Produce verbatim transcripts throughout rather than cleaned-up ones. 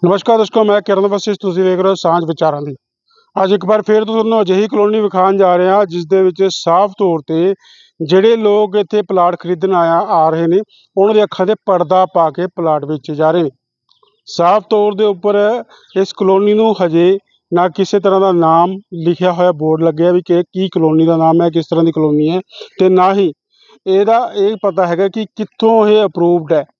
ਨਮਸਕਾਰ ਦੋਸਤੋ, ਮੈਂ ਕਿਰਨ ਵਸਿਸ਼, ਤੁਸੀਂ ਵੇਖ ਰਹੇ ਹੋ ਸਾਂਝ ਵਿਚਾਰਾਂ ਦੀ। ਅੱਜ ਇੱਕ ਵਾਰ ਫਿਰ ਤੁਹਾਨੂੰ ਅਜਿਹੀ ਕਲੋਨੀ ਵਿਖਾਉਣ ਜਾ ਰਹੇ ਹਾਂ ਜਿਸ ਦੇ ਵਿੱਚ ਸਾਫ਼ ਤੌਰ ਤੇ ਜਿਹੜੇ ਲੋਕ ਇੱਥੇ ਪਲਾਟ ਖਰੀਦਣ ਆਇਆ ਆ ਰਹੇ ਨੇ ਉਹਨਾਂ ਦੀ ਅੱਖਾਂ 'ਤੇ ਪਰਦਾ ਪਾ ਕੇ ਪਲਾਟ ਵੇਚੇ ਜਾ ਰਹੇ ਨੇ। ਸਾਫ਼ ਤੌਰ ਦੇ ਉੱਪਰ ਇਸ ਕਲੋਨੀ ਨੂੰ ਹਜੇ ਨਾ ਕਿਸੇ ਤਰ੍ਹਾਂ ਦਾ ਨਾਮ ਲਿਖਿਆ ਹੋਇਆ ਬੋਰਡ ਲੱਗਿਆ ਵੀ ਕਿ ਕੀ ਕਲੋਨੀ ਦਾ ਨਾਮ ਹੈ, ਕਿਸ ਤਰ੍ਹਾਂ ਦੀ ਕਲੋਨੀ ਹੈ, ਅਤੇ ਨਾ ਹੀ ਇਹਦਾ ਇਹ ਪਤਾ ਹੈਗਾ ਕਿ ਕਿੱਥੋਂ ਇਹ ਅਪਰੂਵਡ ਹੈ।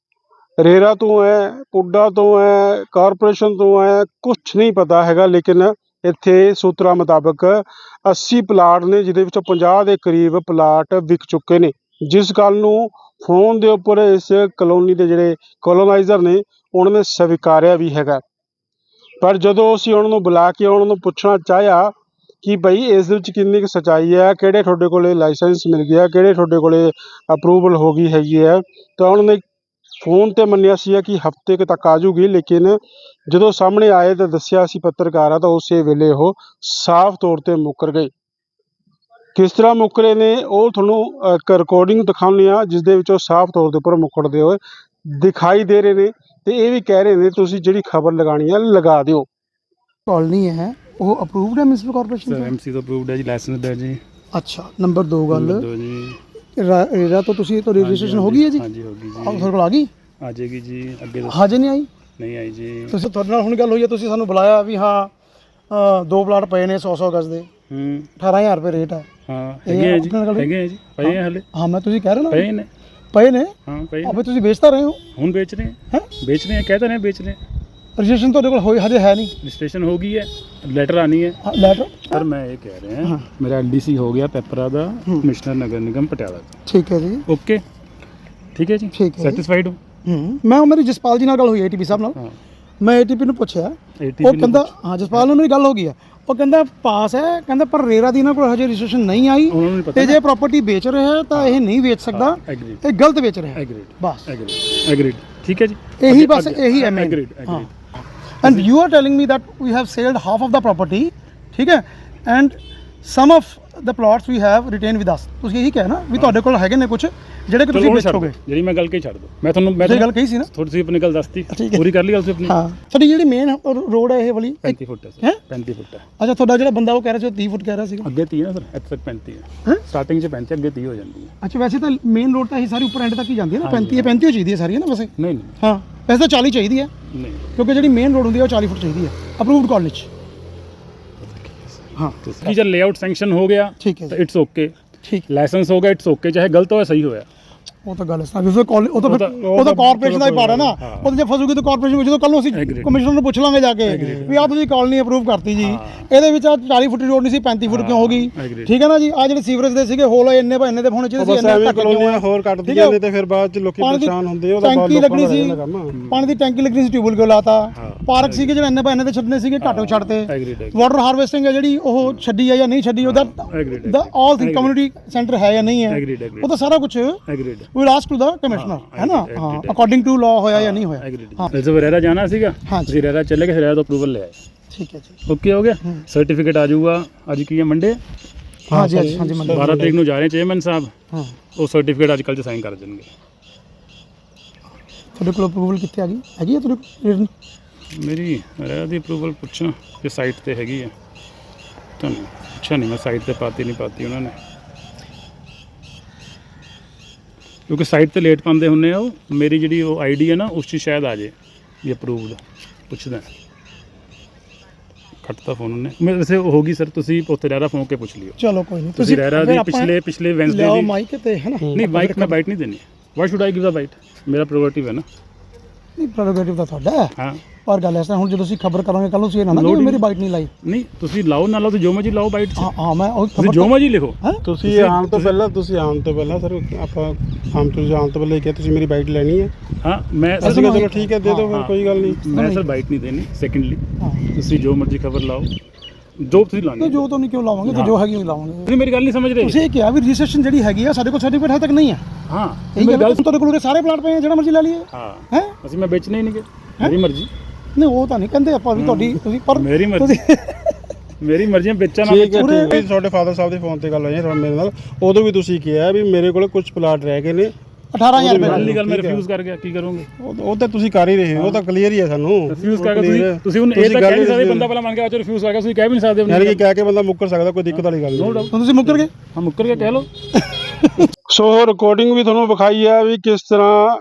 ਰੇਰਾ ਤੋਂ ਹੈ, ਪੁੱਡਾ ਤੋਂ ਹੈ, ਕਾਰਪੋਰੇਸ਼ਨ ਤੋਂ ਹੈ, ਕੁਛ ਨਹੀਂ ਪਤਾ ਹੈਗਾ। ਲੇਕਿਨ ਇੱਥੇ ਸੂਤਰਾਂ ਮੁਤਾਬਕ ਅੱਸੀ ਪਲਾਟ ਨੇ ਜਿਹਦੇ ਵਿੱਚੋਂ ਪੰਜਾਹ ਦੇ ਕਰੀਬ ਪਲਾਟ ਵਿਕ ਚੁੱਕੇ ਨੇ, ਜਿਸ ਗੱਲ ਨੂੰ ਫੋਨ ਦੇ ਉੱਪਰ ਇਸ ਕਲੋਨੀ ਦੇ ਜਿਹੜੇ ਕੋਲੋਨਾਈਜ਼ਰ ਨੇ ਉਹਨਾਂ ਨੇ ਸਵੀਕਾਰਿਆ ਵੀ ਹੈਗਾ। ਪਰ ਜਦੋਂ ਅਸੀਂ ਉਹਨਾਂ ਨੂੰ ਬੁਲਾ ਕੇ ਉਹਨਾਂ ਨੂੰ ਪੁੱਛਣਾ ਚਾਹਿਆ ਕਿ ਬਈ ਇਸ ਦੇ ਵਿੱਚ ਕਿੰਨੀ ਕੁ ਸੱਚਾਈ ਹੈ, ਕਿਹੜੇ ਤੁਹਾਡੇ ਕੋਲ ਲਾਇਸੈਂਸ ਮਿਲ ਗਿਆ, ਕਿਹੜੇ ਤੁਹਾਡੇ ਕੋਲ ਅਪਰੂਵਲ ਹੋ ਗਈ ਹੈਗੀ ਹੈ, ਤਾਂ ਉਹਨਾਂ ਨੇ ਫੋਨ 'ਤੇ ਮੰਨਿਆ ਸੀ ਕਿ ਹਫ਼ਤੇ ਕੁ ਤੱਕ ਆ ਜੂਗੀ। ਲੇਕਿਨ ਜਦੋਂ ਸਾਹਮਣੇ ਆਏ ਤਾਂ ਦੱਸਿਆ ਸੀ ਪੱਤਰਕਾਰਾਂ, ਤਾਂ ਉਸੇ ਵੇਲੇ ਉਹ ਸਾਫ਼ ਤੌਰ 'ਤੇ ਮੁੱਕਰ ਗਏ। ਕਿਸ ਤਰ੍ਹਾਂ ਮੁੱਕਰੇ ਨੇ ਉਹ ਤੁਹਾਨੂੰ ਇੱਕ ਰਿਕਾਰਡਿੰਗ ਦਿਖਾਉਂਦੇ ਹਾਂ ਜਿਸ ਦੇ ਵਿੱਚ ਉਹ ਸਾਫ਼ ਤੌਰ ਦੇ ਉੱਪਰ ਮੁੱਕਰਦੇ ਹੋਏ ਦਿਖਾਈ ਦੇ ਰਹੇ ਨੇ, ਅਤੇ ਇਹ ਵੀ ਕਹਿ ਰਹੇ ਨੇ ਤੁਸੀਂ ਜਿਹੜੀ ਖਬਰ ਲਗਾਉਣੀ ਹੈ ਲਗਾ ਦਿਓ। ਕॉलोनी है वो अप्रूव्ड है म्यूनसिपल कॉर्पोरेशन सर एमसी तो अप्रूव्ड है जी, लाइसेंस है जी। अच्छा, नंबर दो गल नंबर दो जी रेरा तो तुसी तो रजिस्ट्रेशन हो गई है जी? हाँ जी होगी जी। ਆਹ ਤੁਹਾਡੇ ਕੋਲ ਆ ਗਈ? आ जाएगी जी। ਅੱਗੇ ਦੱਸੋ। ਹਜੇ ਨਹੀਂ ਆਈ? ਨਹੀਂ ਆਈ ਜੀ। ਤੁਸੀਂ ਤੁਹਾਡੇ ਨਾਲ ਹੁਣ ਗੱਲ ਹੋਈ ਹੈ, ਤੁਸੀਂ ਸਾਨੂੰ ਬੁਲਾਇਆ ਵੀ ਹਾਂ ਅ, ਦੋ ਪਲਾਟ ਪਏ ਨੇ ਸੌ ਸੌ ਗਜ਼ ਦੇ, ਹੂੰ ਅਠਾਰਾਂ ਹਜ਼ਾਰ ਰੁਪਏ ਰੇਟ ਹੈ। ਹਾਂ ਇਹ ਹੈਗੇ ਆ ਜੀ, ਆਪਣੇ ਨਾਲ ਗੱਲ- ਹੈਗੇ ਆ ਜੀ, ਪਏ ਆ ਹਲੇ। ਹਾਂ ਮੈਂ ਤੁਸੀਂ ਕਹਿ ਰਹੇ ਨਾ ਪਏ ਨੇ। ਪਏ ਨੇ, ਹਾਂ ਪਏ ਆਪੇ ਤੁਸੀਂ ਵੇਚ ਤਾਂ ਰਹੇ ਹੋ ਹੁਣ ਵੇਚ ਰਹੇ ਹੈ। हैं बेच रहे हैं, कहते हैं बेच रहे हैं। ਰਜਿਸਟ੍ਰੇਸ਼ਨ ਤੁਹਾਡੇ ਕੋਲ ਹੋਈ ਹਜੇ ਹੈ ਨਹੀਂ? रजिस्ट्रेशन हो गई है, लेटर आनी है। ਲੈਟਰ सर मैं ये कह रहे हैं मेरा एलडीसी हो गया पेपरा दा, कमिश्नर नगर निगम पटियाला का। ਠੀਕ ਹੈ ਜੀ। ओके ठीक है जी, ठीक है जी। सैटिस्फाइड हो? ਹੂੰ ਮੈਂ ਮੇਰੀ ਜਸਪਾਲ ਜੀ ਨਾਲ ਗੱਲ ਹੋਈ ਏਟੀਪੀ ਸਾਹਿਬ ਨਾਲ। हाँ ਮੈਂ ਏਟੀਪੀ ਨੂੰ ਪੁੱਛਿਆ, ATP ਉਹ ਕਹਿੰਦਾ ਹਾਂ ਜਸਪਾਲ ਨਾਲ ਮੇਰੀ ਗੱਲ ਹੋ ਗਈ ਹੈ, ਉਹ ਕਹਿੰਦਾ ਪਾਸ ਹੈ, ਕਹਿੰਦਾ ਪਰ ਰੇਰਾ ਦੀ ਇਹਨਾਂ ਕੋਲ ਹਜੇ ਰਜਿਸਟ੍ਰੇਸ਼ਨ ਨਹੀਂ ਆਈ, उन्होंने नहीं ਤੇ पता। ਜੇ ਪ੍ਰਾਪਰਟੀ ਵੇਚ ਰਿਹਾ ਹੈ ਤਾਂ ਇਹ ਨਹੀਂ ਵੇਚ ਸਕਦਾ, एग्रीड ਇਹ ਗਲਤ ਵੇਚ ਰਿਹਾ ਹੈ एग्रीड ਬਸ। एग्रीड एग्रीड ठीक है जी। ਇਹੀ आगे- ਬਸ आगे- ਇਹੀ ਹੈ main. Agreed agreed and you are telling me that we have selled half of the property, ਠੀਕ ਹੈ, and some of the plots we have retain with us. ਤੁਸੀਂ ਇਹੀ ਕਿਹਾ ਨਾ ਵੀ ਤੁਹਾਡੇ ਕੋਲ ਹੈਗੇ ਨੇ ਕੁਝ ਜਿਹੜੇ ਕਿ ਤੁਸੀਂ ਵੇਚੋਗੇ। ਜਿਹੜੀ ਮੈਂ ਗੱਲ ਕਹੀ ਛੱਡ ਦੋ, ਮੈਂ ਤੁਹਾਨੂੰ ਮੈਂ ਤੁਸੀਂ ਗੱਲ ਕਹੀ ਸੀ ਨਾ, ਥੋੜੀ ਸੀ ਆਪਣੀ ਗੱਲ ਦੱਸਤੀ, ਠੀਕ ਹੈ। ਪੂਰੀ ਕਰ ਲਈ ਗੱਲ ਤੁਸੀਂ ਆਪਣੀ। ਹਾਂ ਤੁਹਾਡੀ ਜਿਹੜੀ ਮੇਨ ਰੋਡ ਹੈ ਇਹ ਵਾਲੀ ਪੈਂਤੀ ਫੁੱਟ ਹੈ ਹੈਂ? ਸਰ, ਪੈਂਤੀ ਫੁੱਟ ਹੈ। ਅੱਛਾ, ਤੁਹਾਡਾ ਜਿਹੜਾ ਬੰਦਾ ਉਹ ਕਹਿ ਰਿਹਾ ਸੀ ਤੀਹ ਫੁੱਟ ਕਹਿ ਰਿਹਾ ਸੀਗਾ। ਅੱਗੇ ਤੀਹ ਹੈ ਸਰ, ਇੱਥੇ ਤੱਕ ਪੈਂਤੀ ਹੈ। ਹੈਂ? ਸਟਾਰਟਿੰਗ 'ਚ ਪੈਂਤੀ, ਅੱਗੇ ਤੀਹ ਹੋ ਜਾਂਦੀ ਹੈ। ਅੱਛਾ, ਵੈਸੇ ਤਾਂ ਮੇਨ ਰੋਡ ਤਾਂ ਇਹ ਸਾਰੀ ਉੱਪਰ ਐਂਡ ਤੱਕ ਹੀ ਜਾਂਦੀ ਹੈ ਨਾ, ਪੈਂਤੀ ਹੈ, ਪੈਂਤੀ ਹੋ ਚਾਹੀਦੀ ਹੈ ਸਾਰੀ ਹੈ ਨਾ ਵੈਸੇ। ਨਹੀਂ ਨਹੀਂ ਹਾਂ ਵੈਸੇ ਤਾਂ ਚਾਲੀ ਚਾਹੀਦੀ ਹੈ, ਨਹੀਂ ਕਿਉਂਕਿ ਜਿਹੜੀ ਮੇਨ ਰੋਡ ਹੁੰਦੀ ਹੈ ਉਹ ਚਾਲੀ ਫੁੱਟ ਚਾਹੀਦੀ ਹੈ ਅਪਰੂਵਡ ਕਾਲਜ 'ਚ। ਹਾਂ ਕੀ ਜਦ ਲੇਆਊਟ ਸੈਂਕਸ਼ਨ ਹੋ ਗਿਆ ਠੀਕ ਹੈ ਤਾਂ ਜੀ, ਇਟਸ ਓਕੇ, ਠੀਕ। ਲਾਇਸੈਂਸ ਹੋ ਗਿਆ ਇਟਸ ਓਕੇ, ਚਾਹੇ ਗਲਤ ਹੋਇਆ ਸਹੀ ਹੋਇਆ। ਉਹ ਤਾਂ ਗੱਲ ਹੈ ਫਿਰ ਕਾਲਜ ਉਹ ਤਾਂ ਉਹ ਫਿਰ ਤਾਂ- ਉਹ ਤਾਂ ਕਾਰਪੋਰੇਸ਼ਨ ਦਾ ਹੀ ਪਾੜਾ ਨਾ, ਹਾਂ। ਉਹ ਤਾਂ ਜੇ ਫਸੂਗੀ ਤਾਂ ਕਾਰਪੋਰੇਸ਼ਨ ਜਦੋਂ ਕੱਲ ਨੂੰ ਅਸੀਂ Agreed. ਕਮਿਸ਼ਨਰ ਨੂੰ ਪੁੱਛ ਲਾਂਗੇ ਜਾ ਕੇ ਵੀ ਆਹ ਤੁਸੀਂ ਕਾਲਨੀ ਅਪਰੂਵ ਕਰਤੀ ਜੀ, ਇਹਦੇ ਵਿੱਚ ਆ ਚਾਲੀ ਫੁੱਟ ਦੀ ਰੋਡ ਨਹੀਂ ਸੀ, ਪੈਂਤੀ ਫੁੱਟ ਕਿਉਂ ਹੋ ਗਈ? Agreed. ਠੀਕ ਹੈ ਨਾ ਜੀ। ਆ ਜਿਹੜੇ ਸੀਵਰੇਜ ਦੇ ਸੀਗੇ ਹੋਲ ਇੰਨੇ ਭਾਈ ਇੰਨੇ ਦੇ ਹੋਣੇ ਚਾਹੀਦੇ ਸੀ, ਬਸ ਇੰਨੇ ਐਵੇਂ ਤੱਕ ਕਿਉਂ ਕਲੋਨੀਆਂ ਹੋਏ? ਹੋਰ ਠੀਕ ਹੈ। ਕੱਟਦੀਆਂ ਨੇ ਤੇ ਫਿਰ ਬਾਅਦ 'ਚ ਲੋਕੀ ਪਾਣੀ ਦੀ ਪਰੇਸ਼ਾਨ ਹੁੰਦੇ, ਉਹਦਾ ਬਹੁਤ ਟੈਂਕੀ ਲੋਕਾਂ ਲੱਗਣੀ ਦਾ ਸੀ, ਰਹਿੰਦਾ ਕੰਮ। ਪਾਣੀ ਦੀ ਟੈਂਕੀ ਲੱਗਣੀ ਸੀ, ਟਿਊਬਲ ਕਿਉਂ ਲਾਤਾ? ਹਾਂ। ਪਾਰਕ ਸੀਗੇ ਜਿਹੜੇ ਇੰਨੇ ਭਾਈ ਇੰਨੇ ਦੇ ਛੱਡਣੇ ਸੀਗੇ, ਘੱਟੋ ਛੱਡਤੇ। Agreed, agreed. ਵਾਟਰ ਹਾਰਵੈਸਟਿੰਗ ਹੈ ਜਿਹੜੀ ਉਹ ਛੱਡੀ ਹੈ ਜਾਂ ਨਹੀਂ ਛੱਡੀ, ਉਹਦਾ Agreed, the all thing community centre ਹੈ ਜਾਂ ਨਹੀਂ ਹੈ, Agreed, agreed. ਉਹ ਤਾਂ ਸਾਰਾ ਕੁਝ agreed will ask to the commissioner ਹੈ ਨਾ। agreed, ਹਾਂ agreed. ਅਕੋਰਡਿੰਗ ਟੂ ਲਾਅ ਹੋਇਆ ਜਾਂ ਨਹੀਂ ਹੋਇਆ। ਐਗਰੀਡ। ਹਾਂ ਜਦ ਰੇਰਾ ਜਾਣਾ ਸੀਗਾ, ਹਾਂ ਜੀ। ਤੁਸੀਂ ਰੇਰਾ ਚਲੇ ਗਏ, ਰੇਰਾ ਤੋਂ ਅਪਰੂਵਲ ਲੈ ਆਏ, ਠੀਕ ਹੈ ਜੀ। ਓਕੇ ਹੋ ਗਿਆ। ਸਰਟੀਫਿਕੇਟ ਆ ਜਾਊਗਾ, ਅੱਜ ਕੀ ਹੈ ਮੰਡੇ, ਹਾਂ ਜੀ ਹਾਂ ਜੀ ਮੰਨ ਬਾਰਾਂ ਤਰੀਕ ਨੂੰ ਜਾ ਰਹੇ ਚੇਅਰਮੈਨ ਸਾਹਿਬ, ਹਾਂ। ਉਹ ਸਰਟੀਫਿਕੇਟ ਅੱਜ ਕੱਲ੍ਹ 'ਚ ਸਾਈਨ ਕਰ ਦੇਣਗੇ। ਤੁਹਾਡੇ ਕੋਲ ਅਪਰੂਵਲ ਕਿੱਥੇ ਆ ਗਈ? ਹੈਗੀ ਹੈ ਤੁਹਾਡੇ ਕੋਲ? ਮੇਰੀ ਰੇਰਾ ਦੀ ਅਪਰੂਵਲ ਪੁੱਛਾਂ ਕਿ ਸਾਈਟ ਤੇ ਹੈਗੀ ਹੈ? ਤੁਹਾਨੂੰ ਪੁੱਛਿਆ ਨਹੀਂ ਮੈਂ, ਸਾਈਟ ਤੇ ਪਾਤੀ ਨਹੀਂ ਪਾਤੀ ਉਹਨਾਂ ਨੇ, ਕਿਉਂਕਿ ਸਾਈਟ ਤੇ ਲੇਟ ਪਾਉਂਦੇ ਹੁੰਦੇ ਆ। ਉਹ ਮੇਰੀ ਜਿਹੜੀ ਉਹ ਆਈਡੀ ਹੈ ਨਾ ਉਸ 'ਚ ਸ਼ਾਇਦ ਆ ਜੇ ਵੀ ਅਪਰੂਵਡ, ਪੁੱਛਦਾ ਕੱਟਤਾ ਫੋਨ ਉਹਨੇ। ਮੈਂ ਵੈਸੇ ਹੋ ਗਈ ਸਰ, ਤੁਸੀਂ ਉੱਥੇ ਰੇਰਾ ਫੋਨ ਕੇ ਪੁੱਛ ਲਿਓ। ਚਲੋ ਕੋਈ ਨਹੀਂ, ਤੁਸੀਂ ਰੇਰਾ ਫਿਰ ਦੀ ਆਪਾਂ ਪਿਛਲੇ ਪਿਛਲੇ ਵੈਂਸਡੇ ਲਿਆਓ ਦੀ ਮਾਈਕ ਤੇ ਹੈ ਨਾ। ਨਹੀਂ ਬਾਈਟ, ਮੈਂ ਬਾਈਟ ਨਹੀਂ ਦੇਣੀ। Why should I give the bite? ਮੇਰਾ ਪ੍ਰੋਗਰੇਟਿਵ ਹੈ ਨਾ। ਨਹੀਂ ਪ੍ਰੈਰੋਗੇਟਿਵ ਤਾਂ ਤੁਹਾਡਾ ਹੈ, ਹਾਂ ਪਰ ਗੱਲ ਇਸ ਤਰ੍ਹਾਂ ਹੁਣ ਜਦੋਂ ਅਸੀਂ ਖਬਰ ਕਰਾਂਗੇ ਕੱਲ ਨੂੰ ਤੁਸੀਂ ਇਹ ਨਾ ਨਾ ਲੋੜ ਕਿ ਹੀ ਮੇਰੀ ਬਾਈਟ ਨਹੀਂ ਲਾਈ। ਨਹੀਂ ਤੁਸੀਂ ਲਾਓ ਨਾ ਲਾਓ, ਤੁਸੀਂ ਜੋ ਮਰਜੀ ਲਾਓ ਬਾਈਟ 'ਚ, ਹਾਂ ਹਾਂ ਮੈਂ ਉਹ ਤੁਸੀਂ ਖਬਰ ਜੋ ਮਰਜੀ ਲਿਖੋ। ਹੈ ਤੁਸੀਂ ਆਉਣ ਤੋਂ ਪਹਿਲਾਂ ਤੁਸੀਂ ਆਉਣ ਤੋਂ ਪਹਿਲਾਂ ਸਰ ਆਪਾਂ ਆਮ ਤੁਸੀਂ ਆਉਣ ਤੋਂ ਪਹਿਲਾਂ ਹੀ ਕਿਹਾ ਤੁਸੀਂ ਮੇਰੀ ਬਾਈਟ ਲੈਣੀ ਹੈ। ਹਾਂ ਮੈਂ ਅਸੀਂ ਸਰ ਕਿਹਾ ਚਲੋ ਠੀਕ ਹੈ ਦੇ ਦਿਓ, ਫਿਰ ਹਾਂ। ਕੋਈ ਗੱਲ ਨਹੀਂ। ਮੈਂ ਸਰ ਬਾਈਟ ਨਹੀਂ ਦੇਣੀ। ਸੈਕੰਡਲੀ ਹਾਂ ਤੁਸੀਂ ਜੋ ਮਰਜੀ ਖਬਰ ਲਾਓ, ਜੋ ਤੁਸੀਂ ਲਾਣੀ। ਨਹੀਂ ਜੋ ਤਾਂ ਨਹੀਂ ਕਿਉਂ ਲਾਵਾਂਗੇ, ਤੇ ਜੋ ਹੈਗੀ ਉਹ ਲਾਵਾਂਗੇ। ਤੁਸੀਂ ਮੇਰੀ ਗੱਲ ਨਹੀਂ ਸਮਝ ਰਹੇ। ਤੁਸੀਂ ਇਹ ਕਿਹਾ ਵੀ ਰਜਿਸਟ੍ਰੇਸ਼ਨ ਜਿਹੜੀ ਹੈਗੀ ਆ ਸਾਡੇ ਕੋਲ ਸਰਟੀਫਿਕੇਟ ਹਜੇ ਤੱਕ ਨਹੀਂ ਹੈ। ਹਾਂ ਇਹ ਮੇਰੀ ਗੱਲ ਗੱਲ ਤੁਹਾਡੇ ਕੋਲ ਸਾਰੇ ਪਲਾਟ ਪਏ ਆ, ਜਿਹੜਾ ਮਰਜ਼ੀ ਲੈ ਲਈਏ। ਹਾਂ ਹੈ ਅਸੀਂ ਮੈਂ ਵੇਚਣੇ ਹੀ ਨਹੀਂ ਗੇ, ਮੇਰੀ ਮਰਜ਼ੀ। ਨਹੀਂ ਉਹ ਤਾਂ ਨਹੀਂ ਕਹਿੰਦੇ ਆਪਾਂ ਵੀ ਤੁਹਾਡੀ ਤੁਸੀਂ ਪਰ ਮੇਰੀ ਮਰਜ਼ੀ, ਮੇਰੀ ਮਰਜ਼ੀ ਵੇਚਾਂ ਨਾ ਠੀਕ ਹੈ ਵੇਚਾਂ। ਠੀਕ ਹੈ। ਤੁਹਾਡੇ ਫਾਦਰ ਸਾਹਿਬ ਦੇ ਫੋਨ ਤੇ ਗੱਲ ਹੋਈ ਹੈ ਮੇਰੇ ਨਾਲ, ਉਦੋਂ ਵੀ ਤੁਸੀਂ ਕਿਹਾ ਵੀ ਮੇਰੇ ਕੋਲ ਕੁਝ ਪਲਾਟ ਰਹਿ ਗਏ ਨੇ, ਅਠਾਰਾਂ ਹਜ਼ਾਰ ਰੁਪਏ ਪਹਿਲੀ ਗੱਲ ਮੈਂ ਰਿਫਿਊਜ਼ ਕਰ ਗਿਆ, ਕੀ ਕਰੋਗੇ? ਉਹ ਉਹ ਤਾਂ ਤੁਸੀਂ ਕਰ ਹੀ ਰਹੇ ਹੋ, ਉਹ ਤਾਂ ਕਲੀਅਰ ਹੀ ਹੈ ਸਾਨੂੰ। ਰਿਫਿਊਜ਼ ਕਰਕੇ ਤੁਸੀਂ ਤੁਸੀਂ ਹੁਣ ਇਹ ਤਾਂ ਕਹਿ ਨਹੀਂ ਸਕਦੇ ਬੰਦਾ ਪਹਿਲਾਂ ਮੰਨ ਕੇ ਆਚੋ ਰਿਫਿਊਜ਼ ਕਰ ਗਿਆ, ਤੁਸੀਂ ਕਹਿ ਵੀ ਨਹੀਂ ਸਕਦੇ ਯਾਨੀ ਕਿ ਕਹਿ ਕੇ ਬੰਦਾ ਮੁੱਕਰ ਸਕਦਾ, ਕੋਈ ਦਿੱਕਤ ਵਾਲੀ ਗੱਲ ਨਹੀਂ। ਡਾਊਟ ਤੁਸੀਂ ਮੁੱਕਰ ਗਏ। ਹਾਂ ਮੁੱਕਰ ਕੇ ਕਹਿ ਲਓ। ਸੋ ਰਿਕਾਰਡਿੰਗ ਵੀ ਤੁਹਾਨੂੰ ਵਿਖਾਈ ਹੈ ਵੀ ਕਿਸ ਤਰ੍ਹਾਂ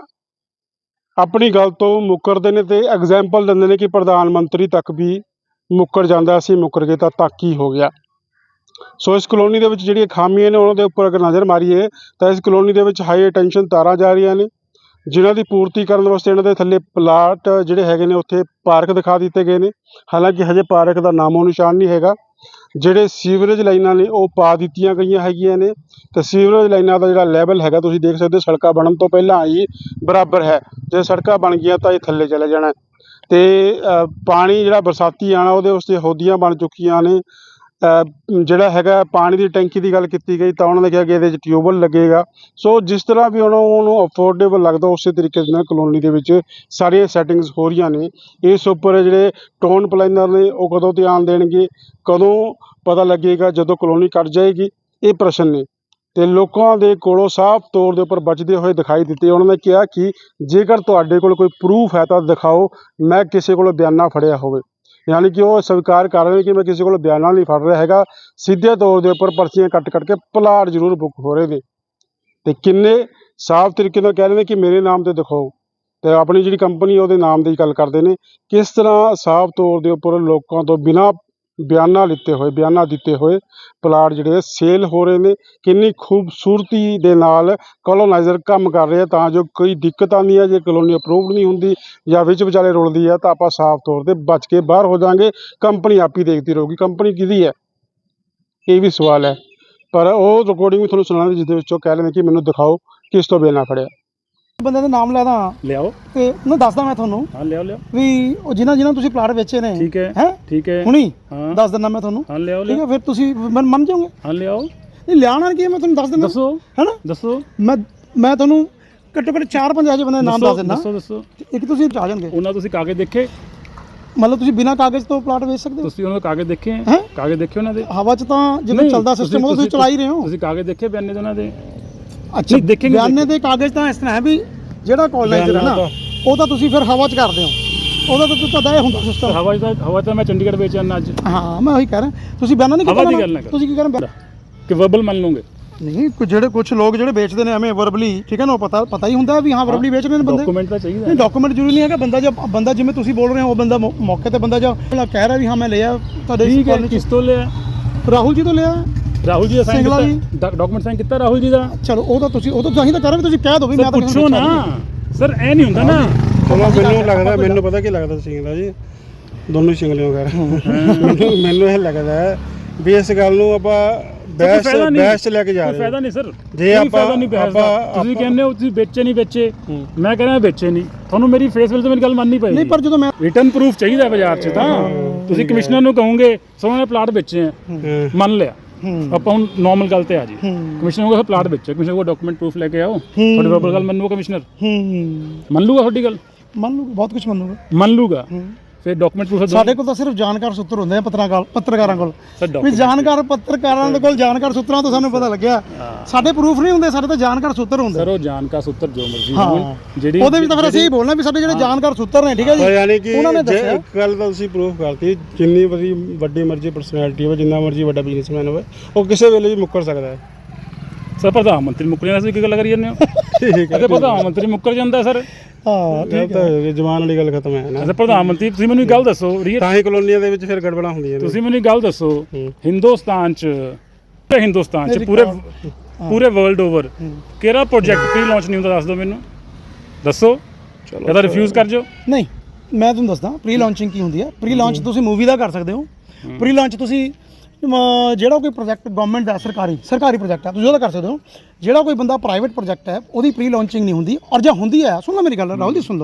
ਆਪਣੀ ਗੱਲ ਤੋਂ ਮੁੱਕਰਦੇ ਨੇ ਤੇ ਐਗਜ਼ਾਮਪਲ ਦਿੰਦੇ ਨੇ ਕਿ ਪ੍ਰਧਾਨ ਮੰਤਰੀ ਤੱਕ ਵੀ ਮੁੱਕਰ ਜਾਂਦਾ, ਅਸੀਂ ਮੁੱਕਰ ਗਏ ਤਾਂ ਤੱਕ ਹੀ ਹੋ ਗਿਆ। ਸੋ ਇਸ ਕਲੋਨੀ ਦੇ ਵਿੱਚ ਜਿਹੜੀਆਂ ਖਾਮੀਆਂ ਨੇ ਉਹਨਾਂ ਦੇ ਉੱਪਰ ਅਗਰ ਨਜ਼ਰ ਮਾਰੀਏ ਤਾਂ ਇਸ ਕਲੋਨੀ ਦੇ ਵਿੱਚ ਹਾਈ ਟੈਂਸ਼ਨ ਤਾਰਾਂ ਜਾ ਰਹੀਆਂ ਨੇ, ਜਿਨ੍ਹਾਂ ਦੀ ਪੂਰਤੀ ਕਰਨ ਵਾਸਤੇ ਇਹਨਾਂ ਦੇ ਥੱਲੇ ਪਲਾਟ ਜਿਹੜੇ ਹੈਗੇ ਨੇ ਉੱਥੇ ਪਾਰਕ ਦਿਖਾ ਦਿੱਤੇ ਗਏ ਨੇ। ਹਾਲਾਂਕਿ ਹਜੇ ਪਾਰਕ ਦਾ ਨਾਮੋ ਨਿਸ਼ਾਨ ਨਹੀਂ ਹੈਗਾ। ਜਿਹੜੇ ਸੀਵਰੇਜ ਲਾਈਨਾਂ ਨੇ ਉਹ ਪਾ ਦਿੱਤੀਆਂ ਗਈਆਂ ਹੈਗੀਆਂ ਨੇ ਤੇ ਸੀਵਰੇਜ ਲਾਈਨਾਂ ਦਾ ਜਿਹੜਾ ਲੈਵਲ ਹੈਗਾ ਤੁਸੀਂ ਦੇਖ ਸਕਦੇ ਹੋ, ਸੜਕਾਂ ਬਣਨ ਤੋਂ ਪਹਿਲਾਂ ਹੀ ਬਰਾਬਰ ਹੈ। ਜੇ ਸੜਕਾਂ ਬਣ ਗਈਆਂ ਤਾਂ ਇਹ ਥੱਲੇ ਚਲੇ ਜਾਣਾ ਤੇ ਪਾਣੀ ਜਿਹੜਾ ਬਰਸਾਤੀ ਆਉਣਾ ਉਹਦੇ ਵਾਸਤੇ ਹੋਦੀਆਂ ਬਣ ਚੁੱਕੀਆਂ ਨੇ। ਜਿਹੜਾ ਹੈਗਾ ਪਾਣੀ ਦੀ ਟੈਂਕੀ ਦੀ ਗੱਲ ਕੀਤੀ ਗਈ ਤਾਂ ਉਹਨਾਂ ਨੇ ਕਿਹਾ ਕਿ ਇਹਦੇ 'ਚ ਟਿਊਬਵੈੱਲ ਲੱਗੇਗਾ। ਸੋ ਜਿਸ ਤਰ੍ਹਾਂ ਵੀ ਉਹਨਾਂ ਨੂੰ ਅਫੋਰਡੇਬਲ ਲੱਗਦਾ ਉਸੇ ਤਰੀਕੇ ਦੇ ਨਾਲ ਕਲੋਨੀ ਦੇ ਵਿੱਚ ਸਾਰੀਆਂ ਸੈਟਿੰਗਸ ਹੋ ਰਹੀਆਂ ਨੇ। ਇਸ ਉੱਪਰ ਜਿਹੜੇ ਟਾਊਨ ਪਲਾਨਰ ਨੇ ਉਹ ਕਦੋਂ ਧਿਆਨ ਦੇਣਗੇ, ਕਦੋਂ ਪਤਾ ਲੱਗੇਗਾ? ਜਦੋਂ ਕਲੋਨੀ ਕੱਟ ਜਾਏਗੀ, ਇਹ ਪ੍ਰਸ਼ਨ ਨੇ। ਤੇ ਲੋਕਾਂ ਦੇ ਕੋਲੋਂ ਸਾਫ਼ ਤੌਰ ਦੇ ਉੱਪਰ ਬਚਦੇ ਹੋਏ ਦਿਖਾਈ ਦਿੱਤੇ। ਉਹਨਾਂ ਨੇ ਕਿਹਾ ਕਿ ਜੇਕਰ ਤੁਹਾਡੇ ਕੋਲ ਕੋਈ ਪ੍ਰੂਫ ਹੈ ਤਾਂ ਦਿਖਾਓ, ਮੈਂ ਕਿਸੇ ਕੋਲੋਂ ਬਿਆਨਾ ਫੜਿਆ ਹੋਵੇ। ਯਾਨੀ ਕਿ ਉਹ ਸਵੀਕਾਰ ਕਰ ਰਹੇ ਨੇ ਕਿ ਮੈਂ ਕਿਸੇ ਕੋਲੋਂ ਬਿਆਨਾ ਨਹੀਂ ਫੜ ਰਿਹਾ ਹੈਗਾ, ਸਿੱਧੇ ਤੌਰ ਦੇ ਉੱਪਰ ਪਰਚੀਆਂ ਕੱਟ ਕੱਟ ਕੇ ਪਲਾਟ ਜ਼ਰੂਰ ਬੁੱਕ ਹੋ ਰਹੇ ਨੇ ਤੇ ਕਿੰਨੇ ਸਾਫ਼ ਤਰੀਕੇ ਨਾਲ ਕਹਿ ਰਹੇ ਨੇ ਕਿ ਮੇਰੇ ਨਾਮ ਤੇ ਦਿਖਾਓ ਤੇ ਆਪਣੀ ਜਿਹੜੀ ਕੰਪਨੀ ਉਹਦੇ ਨਾਮ ਦੀ ਗੱਲ ਕਰਦੇ ਨੇ। ਕਿਸ ਤਰ੍ਹਾਂ ਸਾਫ਼ ਤੌਰ ਦੇ ਉੱਪਰ ਲੋਕਾਂ ਤੋਂ ਬਿਨਾਂ ਬਿਆਨਾ ਲਿੱਤੇ ਹੋਏ ਬਿਆਨਾ ਦਿੱਤੇ ਹੋਏ ਪਲਾਟ ਜਿਹੜੇ ਸੇਲ ਹੋ ਰਹੇ ਨੇ, ਕਿੰਨੀ ਖੂਬਸੂਰਤੀ ਦੇ ਨਾਲ ਕਲੋਨਾਈਜ਼ਰ ਕੰਮ ਕਰ ਰਹੇ ਆ ਤਾਂ ਜੋ ਕੋਈ ਦਿੱਕਤ ਆਉਂਦੀ ਹੈ। ਜੇ ਕਲੋਨੀ ਅਪਰੂਵਡ ਨਹੀਂ ਹੁੰਦੀ ਜਾਂ ਵਿੱਚ ਵਿਚਾਲੇ ਰੁਲਦੀ ਹੈ ਤਾਂ ਆਪਾਂ ਸਾਫ਼ ਤੌਰ 'ਤੇ ਬਚ ਕੇ ਬਾਹਰ ਹੋ ਜਾਵਾਂਗੇ। ਕੰਪਨੀ ਆਪ ਹੀ ਦੇਖਦੀ ਰਹੂਗੀ। ਕੰਪਨੀ ਕਿਹਦੀ ਹੈ ਇਹ ਵੀ ਸਵਾਲ ਹੈ। ਪਰ ਉਹ ਰਿਕਾਰਡਿੰਗ ਵੀ ਤੁਹਾਨੂੰ ਸੁਣਾਉਣਾ ਜਿਸ ਦੇ ਵਿੱਚੋਂ ਕਹਿ ਲੈਂਦੇ ਕਿ ਮੈਨੂੰ ਦਿਖਾਓ ਕਿਸ ਤੋਂ ਬਿਆਨਾ ਫੜਿਆ। ਬੰਦੇ ਦਾ ਨਾਮ ਲੈ ਦਾਂ ਲਿਆਓ ਤੇ ਉਹਨੂੰ ਦੱਸਦਾ ਮੈਂ ਤੁਹਾਨੂੰ ਹਾਂ ਲਿਆਓ ਲਿਆਓ ਵੀ ਉਹ ਜਿਨ੍ਹਾਂ ਜਿਨ੍ਹਾਂ ਤੁਸੀਂ ਪਲਾਟ ਵੇਚੇ ਨੇ। ਠੀਕ ਹੈ ਹੈ ਠੀਕ ਹੈ ਹੁਣੀ ਹਾਂ ਦੱਸ ਦਿੰਦਾ ਮੈਂ ਤੁਹਾਨੂੰ। ਹਾਂ ਲਿਆਓ ਠੀਕ ਲਿਆਓ ਹੈ ਫਿਰ ਤੁਸੀਂ ਮੰਨ ਮੰਨ ਜਾਓਗੇ। ਹਾਂ ਲਿਆਓ। ਨਹੀਂ ਲਿਆਉਣਾ ਕੀ ਹੈ ਮੈਂ ਤੁਹਾਨੂੰ ਦੱਸ ਦਿੰਦਾ ਦੱਸੋ ਹੈਨਾ। ਦੱਸੋ ਮੈਂ ਮੈਂ ਤੁਹਾਨੂੰ ਘੱਟੋ ਘੱਟ ਚਾਰ ਪੰਜ ਇਹੋ ਜਿਹੇ ਬੰਦੇ ਦੇ ਨਾਮ ਦੱਸ ਦਿੰਦਾ। ਦੱਸੋ ਦੱਸੋ ਇੱਕ ਤੁਸੀਂ ਆ ਜਾਣਗੇ। ਉਹਨਾਂ ਤੁਸੀਂ ਕਾਗਜ਼ ਦੇਖੇ? ਮਤਲਬ ਤੁਸੀਂ ਬਿਨਾਂ ਕਾਗਜ਼ ਤੋਂ ਪਲਾਟ ਵੇਚ ਸਕਦੇ ਹੋ? ਤੁਸੀਂ ਉਹਨਾਂ ਦੇ ਕਾਗਜ਼ ਦੇਖੇ ਹੈ? ਹੈਂ? ਕਾਗਜ਼ ਦੇਖੇ ਉਹਨਾਂ ਦੇ? ਹਵਾ 'ਚ ਤਾਂ ਜਿਵੇਂ ਨਹੀਂ, ਚੱਲਦਾ ਸਿਸਟਮ ਉਹ ਤੁਸੀਂ ਚਲਾ ਹੀ ਰਹੇ ਹੋ। ਤੁਸੀਂ ਕਾਗਜ਼ ਦੇਖੇ ਬਿਆਨੇ ਦੇ ਉਹਨਾਂ ਦੇ? ਅੱਛਾ ਨਹੀਂ, ਦੇਖੇ ਨਹੀਂ ਬਿਆਨੇ ਦੇ ਕਾਗਜ਼ ਤਾਂ ਇਸ ਤਰ੍ਹਾਂ ਹੈ ਵੀ ਜਿਹੜਾ ਕੋਲੋਨਾਈਜ਼ਰ ਹੈ ਨਾ ਉਹ ਤਾਂ ਤੁਸੀਂ ਫਿਰ ਹਵਾ 'ਚ ਕਰਦੇ ਹੋ। ਉਹਦਾ ਤਾਂ ਤੁਹਾਡਾ ਇਹ ਹੁੰਦਾ ਸਿਸਟਮ। ਹਵਾ 'ਚ ਤਾਂ ਹਵਾ 'ਚ ਤਾਂ ਮੈਂ ਚੰਡੀਗੜ੍ਹ ਵੇਚ ਆਉਣਾ ਅੱਜ। ਹਾਂ ਮੈਂ ਉਹੀ ਕਹਿ ਰਿਹਾ ਤੁਸੀਂ ਬਿਆਨਾ ਨਹੀਂ ਹਵਾ ਦੀ ਗੱਲ ਨਾ ਕਰੋ। ਤੁਸੀਂ ਕੀ ਕਹਿ ਰਹੇ ਕਿ ਵਰਬਲ ਮੰਨ ਲਓਗੇ? ਨਹੀਂ ਕੁ ਜਿਹੜੇ ਕੁਝ ਲੋਕ ਜਿਹੜੇ ਵੇਚਦੇ ਨੇ ਐਵੇਂ ਵਰਬਲੀ, ਠੀਕ ਹੈ ਨਾ, ਉਹ ਪਤਾ ਪਤਾ ਹੀ ਹੁੰਦਾ ਵੀ ਹਾਂ ਵਰਬਲੀ ਵੇਚ ਰਹੇ ਨੇ ਬੰਦੇ। ਡਾਕੂਮੈਂਟ ਤਾਂ ਚਾਹੀਦਾ। ਨਹੀਂ ਡਾਕੂਮੈਂਟ ਜ਼ਰੂਰੀ ਨਹੀਂ ਹੈਗਾ। ਬੰਦਾ ਜਦ ਬੰਦਾ ਜਿਵੇਂ ਤੁਸੀਂ ਬੋਲ ਰਹੇ ਹੋ ਉਹ ਬੰਦਾ ਮੌ- ਮੌਕੇ ਤੇ ਬੰਦਾ ਜੋ ਕਹਿ ਰਿਹਾ ਵੀ ਹਾਂ ਮੈਂ ਲਿਆ ਤੁਹਾਡੇ ਠੀਕ ਹੈ। ਕਿਸ ਤੋਂ ਲਿਆ? ਰਾਹੁਲ ਜੀ ਤੋਂ ਲਿਆ। ਰਾਹੁਲ ਜੀ ਦਾ ਸਾਈਨ ਸਿੰਗਲਾ ਕੀਤਾ? ਡਾਕੂਮੈਂਟ ਸਾਈਨ ਕੀਤਾ ਰਾਹੁਲ ਜੀ ਦਾ? ਚਲੋ ਉਹ ਤਾਂ ਤੁਸੀਂ ਉਹ ਤਾਂ ਤੁਸੀਂ ਤਾਂ ਕਰ ਰਹੇ ਤੁਸੀਂ ਕਹਿ ਦਿਓ ਵੀ ਮੈਂ ਤਾਂ ਪੁੱਛੋ ਨਾ ਸਰ, ਇਹ ਨਹੀਂ ਹੁੰਦਾ ਨਾ। ਚਲੋ ਮੈਨੂੰ ਲੱਗਦਾ ਮੈਨੂੰ ਪਤਾ ਕੀ ਲੱਗਦਾ ਸਿੰਗਲਾ ਜੀ, ਦੋਨੋਂ ਸਿੰਗਲਿਓ ਕਰ ਮੈਨੂੰ ਮੈਨੂੰ ਇਹ ਲੱਗਦਾ ਵੀ ਇਸ ਗੱਲ ਨੂੰ ਆਪਾਂ ਬਹਿਸ ਬਹਿਸ 'ਚ ਲੈ ਕੇ ਜਾ ਰਹੇ ਹਾਂ। ਫਾਇਦਾ ਨਹੀਂ ਸਰ, ਜੇ ਆਪਾਂ ਤੁਸੀਂ ਕਹਿੰਦੇ ਹੋ ਤੁਸੀਂ ਵੇਚੇ ਨਹੀਂ ਵੇਚੇ, ਮੈਂ ਕਹਿੰਦਾ ਵੇਚੇ ਨਹੀਂ। ਤੁਹਾਨੂੰ ਮੇਰੀ ਫੇਸ ਵੈਲ ਤੇ ਮੇਰੀ ਗੱਲ ਮੰਨਣੀ ਪਏਗੀ। ਨਹੀਂ ਪਰ ਜਦੋਂ ਮੈਂ ਰਿਟਨ ਪ੍ਰੂਫ ਚਾਹੀਦਾ ਬਾਜ਼ਾਰ 'ਚ ਤਾਂ ਤੁਸੀਂ ਕਮਿਸ਼ਨਰ ਨੂੰ ਕਹੋਗੇ ਸੋਹਣੇ ਨੇ ਪਲਾਟ ਵੇਚੇ ਆ, ਮੰਨ ਲਿਆ। ਆਪਾਂ ਹੁਣ ਨਾਰਮਲ ਗੱਲ ਤੇ ਆ ਜੀ, ਕਮਿਸ਼ਨਰ ਕੋਲ ਪਲਾਟ ਵੇਚੇ, ਕਮਿਸ਼ਨਰ ਕੋਲ ਡਾਕੂਮੈਂਟ ਪ੍ਰੂਫ ਲੈ ਕੇ ਆਓ। ਤੁਹਾਡੀ ਵਰਬਲ ਗੱਲ ਮੰਨੂਗਾ ਕਮਿਸ਼ਨਰ? ਮੰਨ ਲੂਗਾ ਤੁਹਾਡੀ ਗੱਲ? ਮੰਨ ਲੂਗਾ, ਬਹੁਤ ਕੁਝ ਮੰਨੂਗਾ। ਮੰਨ ਲੂਗਾ ਫਿਰ ਡਾਕੂਮੈਂਟ ਪ੍ਰੂਫ ਸਾਡੇ ਕੋਲ ਤਾਂ ਸਿਰਫ ਜਾਣਕਾਰ ਸੂਤਰ ਹੁੰਦੇ ਆ ਪੱਤਰਕਾਰ ਪੱਤਰਕਾਰਾਂ ਕੋਲ ਸਰ। ਵੀ ਜਾਣਕਾਰ ਪੱਤਰਕਾਰਾਂ ਦੇ ਕੋਲ ਜਾਣਕਾਰ ਸੂਤਰਾਂ ਤੋਂ ਸਾਨੂੰ ਪਤਾ ਲੱਗਿਆ। ਸਾਡੇ ਪ੍ਰੂਫ ਨਹੀਂ ਹੁੰਦੇ, ਸਾਡੇ ਤਾਂ ਜਾਣਕਾਰ ਸੂਤਰ ਹੁੰਦੇ। ਸਰ ਉਹ ਜਾਣਕਾਰ ਸੂਤਰ ਜੋ ਮਰਜ਼ੀ ਹਾਂ ਹੋਣ, ਜਿਹੜੀ ਉਹਦੇ ਵਿੱਚ ਤਾਂ ਫਿਰ ਅਸੀਂ ਹੀ ਬੋਲਣਾ ਵੀ ਸਾਡੇ ਜਿਹੜੇ ਜਾਣਕਾਰ ਸੂਤਰ ਨੇ, ਠੀਕ ਹੈ ਜੀ। ਯਾਨੀ ਕਿ ਉਹਨਾਂ ਨੇ ਜੇ ਦੱਸਿਆ ਇੱਕ ਗੱਲ ਤਾਂ ਤੁਸੀਂ ਪ੍ਰੂਫ ਕਰਤੀ, ਜਿੰਨੀ ਵੱਡੀ ਵੱਡੀ ਮਰਜ਼ੀ ਪਰਸਨੈਲਿਟੀ ਹੋਵੇ, ਜਿੰਨਾ ਮਰਜ਼ੀ ਵੱਡਾ ਬਿਜ਼ਨਸਮੈਨ ਹੋਵੇ, ਉਹ ਕਿਸੇ ਵੇਲੇ ਵੀ ਮੁੱਕਰ ਸਕਦਾ ਹੈ। ਸਰ ਪ੍ਰਧਾਨ ਮੰਤਰੀ ਮੁੱਕਰ ਜਾਂਦਾ, ਕੀ ਗੱਲ ਕਰੀ ਜਾਂਦੇ ਹੋ? ਠੀਕ ਅਤੇ ਪ੍ਰਧਾਨ ਮੰਤਰੀ ਮੁੱਕਰ ਜਾਂਦਾ ਸਰ। ਹਾਂ ਠੀਕ ਹੈ, ਜਵਾਨ ਵਾਲੀ ਗੱਲ ਖਤਮ ਹੈ ਨਾ। ਅੱਛਾ ਪ੍ਰਧਾਨ ਮੰਤਰੀ, ਤੁਸੀਂ ਮੈਨੂੰ ਇੱਕ ਗੱਲ ਦੱਸੋ, ਤਾਂ ਹੀ ਕਲੋਨੀਆਂ ਦੇ ਵਿੱਚ ਫਿਰ ਗੜਬੜਾਂ ਹੁੰਦੀਆਂ ਨੇ। ਤੁਸੀਂ ਮੈਨੂੰ ਇੱਕ ਗੱਲ ਦੱਸੋ, ਹਿੰਦੁਸਤਾਨ 'ਚ ਪੂਰੇ ਹਿੰਦੁਸਤਾਨ 'ਚ ਪੂਰੇ ਪੂਰੇ ਵਰਲਡ ਓਵਰ ਕਿਹੜਾ ਪ੍ਰੋਜੈਕਟ ਪ੍ਰੀ ਲਾਂਚ ਨਹੀਂ ਹੁੰਦਾ? ਦੱਸ ਦਿਓ ਮੈਨੂੰ, ਦੱਸੋ। ਜਾਂ ਤਾਂ ਰਿਫਿਊਜ਼ ਕਰ ਜਾਓ। ਨਹੀਂ ਮੈਂ ਤੁਹਾਨੂੰ ਦੱਸਦਾ ਪ੍ਰੀ ਲਾਂਚਿੰਗ ਕੀ ਹੁੰਦੀ ਹੈ। ਪ੍ਰੀ ਲਾਂਚ ਤੁਸੀਂ ਮੂਵੀ ਦਾ ਕਰ ਸਕਦੇ ਹੋ। ਪ੍ਰੀ ਲਾਂਚ ਤੁਸੀਂ ਅਮ, ਜਿਹੜਾ ਕੋਈ ਪ੍ਰੋਜੈਕਟ ਗਵਰਨਮੈਂਟ ਦਾ ਸਰਕਾਰੀ ਸਰਕਾਰੀ ਪ੍ਰੋਜੈਕਟ ਹੈ ਤੁਸੀਂ ਉਹਦਾ ਕਰ ਸਕਦੇ ਹੋ। ਜਿਹੜਾ ਕੋਈ ਬੰਦਾ ਪ੍ਰਾਈਵੇਟ ਪ੍ਰੋਜੈਕਟ ਹੈ ਉਹਦੀ ਪ੍ਰੀ ਲਾਂਚਿੰਗ ਨਹੀਂ ਹੁੰਦੀ। ਔਰ ਜੇ ਹੁੰਦੀ ਹੈ, ਸੁਣ ਲਓ ਮੇਰੀ ਗੱਲ ਰਾਹੁਲ ਜੀ, ਸੁਣ ਲਓ।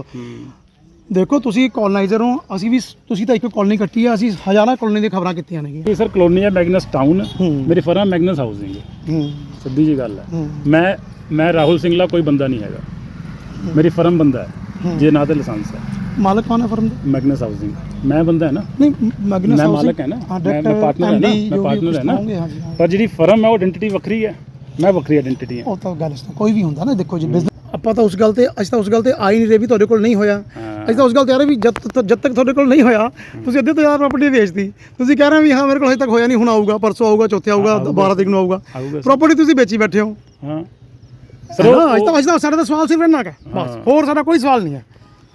ਦੇਖੋ ਤੁਸੀਂ ਕੋਲੋਨਾਈਜ਼ਰ ਹੋ, ਅਸੀਂ ਵੀ ਤੁਸੀਂ ਤਾਂ ਇੱਕ ਕਲੋਨੀ ਕੱਟੀ ਹੈ, ਅਸੀਂ ਹਜ਼ਾਰਾਂ ਕਲੋਨੀ ਦੀਆਂ ਖਬਰਾਂ ਕੀਤੀਆਂ ਨੇ। ਸਰ ਕਲੋਨੀ ਹੈ ਮੈਗਨਸ ਟਾਊਨ, ਮੇਰੀ ਫਰਮ ਮੈਗਨਸ ਹਾਊਸਿੰਗ। ਸਿੱਧੀ ਜੀ ਗੱਲ ਹੈ। ਮੈਂ ਮੈਂ ਰਾਹੁਲ ਸਿੰਗਲਾ ਕੋਈ ਬੰਦਾ ਨਹੀਂ ਹੈਗਾ, ਮੇਰੀ ਫਰਮ ਬੰਦਾ ਹੈ ਜੇ ਨਾ ਤੇ ਲਾਇਸੈਂਸ ਹੈ। ਮਾਲਕ ਕੌਣ ਹੈ ਫਰਮ ਦਾ? Magnus housing. ਮੈਂ ਬੰਦਾ ਹੈ ਨਾ, ਨਹੀਂ ਮੈਗਨਸ ਮੈਂ ਮਾਲਕ ਹੈ ਨਾ, ਮੈਂ ਪਾਰਟਨਰ ਹੈ ਨਾ, ਮੈਂ ਪਾਰਟਨਰ ਹੈ ਨਾ। ਪਰ ਜਿਹੜੀ ਫਰਮ ਹੈ ਉਹ ਆਇਡੈਂਟੀਟੀ ਵੱਖਰੀ ਹੈ, ਮੈਂ ਵੱਖਰੀ ਆਇਡੈਂਟੀਟੀ ਹਾਂ। ਉਹ ਤਾਂ ਗੱਲ ਇਸ ਕੋਈ ਵੀ ਹੁੰਦਾ ਨਾ। ਦੇਖੋ ਜੀ ਬਿਜ਼ਨਸ ਆਪਾਂ ਤਾਂ ਉਸ ਗੱਲ ਤੇ ਅਸੀਂ ਤਾਂ ਉਸ ਗੱਲ ਤੇ ਆ ਹੀ ਨਹੀਂ ਰਹੇ ਵੀ ਤੁਹਾਡੇ ਕੋਲ ਨਹੀਂ ਹੋਇਆ। ਹਾਂ। ਅਸੀਂ ਤਾਂ ਉਸ ਗੱਲ ਤੇ ਆ ਰਹੇ ਵੀ ਜਦ ਤੱਕ ਜਦ ਤੱਕ ਤੁਹਾਡੇ ਕੋਲ ਨਹੀਂ ਹੋਇਆ ਤੁਸੀਂ ਅੱਧੇ ਤੋਂ ਜ਼ਿਆਦਾ ਪ੍ਰਾਪਰਟੀ ਵੇਚਦੀ। ਤੁਸੀਂ ਕਹਿ ਰਹੇ ਹੋ ਵੀ ਹਾਂ ਮੇਰੇ ਕੋਲ ਹਜੇ ਤੱਕ ਹੋਇਆ ਨਹੀਂ, ਹੁਣ ਆਊਗਾ, ਪਰਸੋਂ ਆਊਗਾ, ਚੌਥੇ ਆਊਗਾ, ਬਾਰਾਂ ਤਰੀਕ ਨੂੰ ਆਊਗਾ। ਆਊਗਾ। ਪ੍ਰਾਪਰਟੀ ਤੁਸੀਂ ਵੇਚੀ ਬੈਠੇ ਹੋ। ਹਾਂ ਸਰ ਅੱਜ ਤਾਂ ਅੱਜ ਤਾਂ ਸਾਡਾ ਤਾਂ ਸਵਾਲ ਸਿਰਫ ਇੰਨਾ ਕੁ ਹੈ ਬਸ, ਹੋਰ ਸਾਡਾ ਕੋਈ ਸਵਾਲ ਨਹੀਂ ਹੈ।